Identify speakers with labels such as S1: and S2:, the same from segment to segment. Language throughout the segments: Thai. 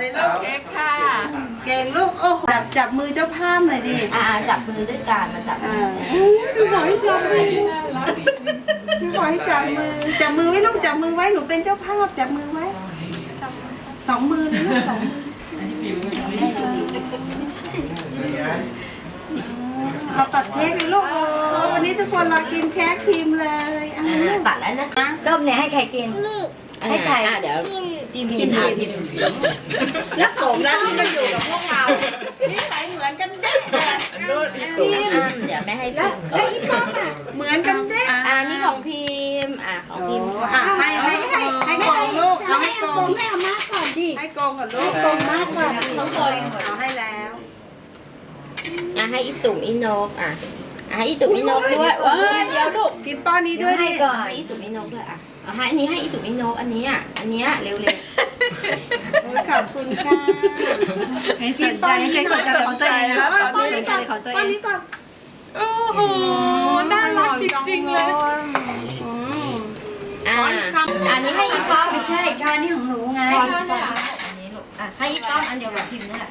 S1: เลยลูกเค้กค่ะเก่งลูกโอ้จับมือเจ้าภาพหน่อยดิ
S2: จับมือด้วยกันมาจับมือ
S1: คือขอให้จับมือคือขอให้จับมือไว้ลูกจับมือไว้หนูเป็นเจ้าภาพจับมือไว้สองมือเลยลูกสองมือเราตัดเค้กเลยลูกวันนี้ทุกคนรอกินเค้กครีมเลย
S2: ตัดแล้วนะคะ
S3: ส้มเนี่ยให้ใครกินให้ใคร
S2: เดี๋ยวพิมกินพิม
S1: และสมแล้วที่มาอยู่กับพวกเรานิสัยเหมือนกันเด้
S2: เดี๋ยวไม่ให้พิมก่อน
S1: เหมือนกันเด้
S2: นี่ของพิมของพิม
S1: ให้กองลูกเราให้กอง
S3: ให้อาม่าก่อนดิ
S1: ให้กองก่อนลูก
S3: กองมากก่อน
S2: ต้องกด
S1: เราให้แล้ว
S2: ให้อีตุ่มอีนกให้อีตุ่มอีนกด้วยเดี๋ยวลูก
S1: กินป้อนนี้ด้วยดิ
S2: ให้อีตุ่มอีนกด้วยให้อันนี้ให้อีตุ่มอีนกอันนี้เร็ว
S1: ขอบคุณค่ะ
S3: ให้สนใจให้ใจกดจากของตัวเองนะสนใจของตัวเอง
S1: โอ้โหน่ารักจริงๆเลย
S2: อันนี้ให้อีป้อม
S3: ไม่ใช่ช้อนนี่ของหนูไง
S2: ช้อนอันนี้ลูกให้อีป้อมอันเดียวกับพิมนี่แหละ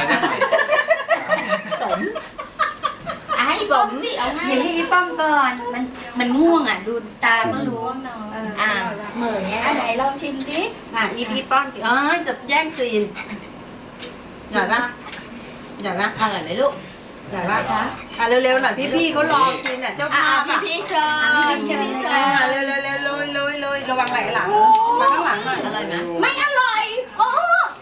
S2: สมให้สมสิเอาให้
S3: อย่าให้ป้อมก่อนมันง่วงดูตาก็รู้
S2: เหมือนเนี้ย
S3: ไหนลองชิมดิ
S1: พี่ป้อนจะแย่งซีนอย่าละ
S2: อร่อยไหมลูก
S1: อย่าละเร็วๆหน่อยพี่เขารอกินเจ้าภาพ
S2: พี่เชิญ
S1: เร็วๆลุยระวังไหลหลังมาข้างหลังหน่อย
S2: อร่อยไหม
S1: ไม่อ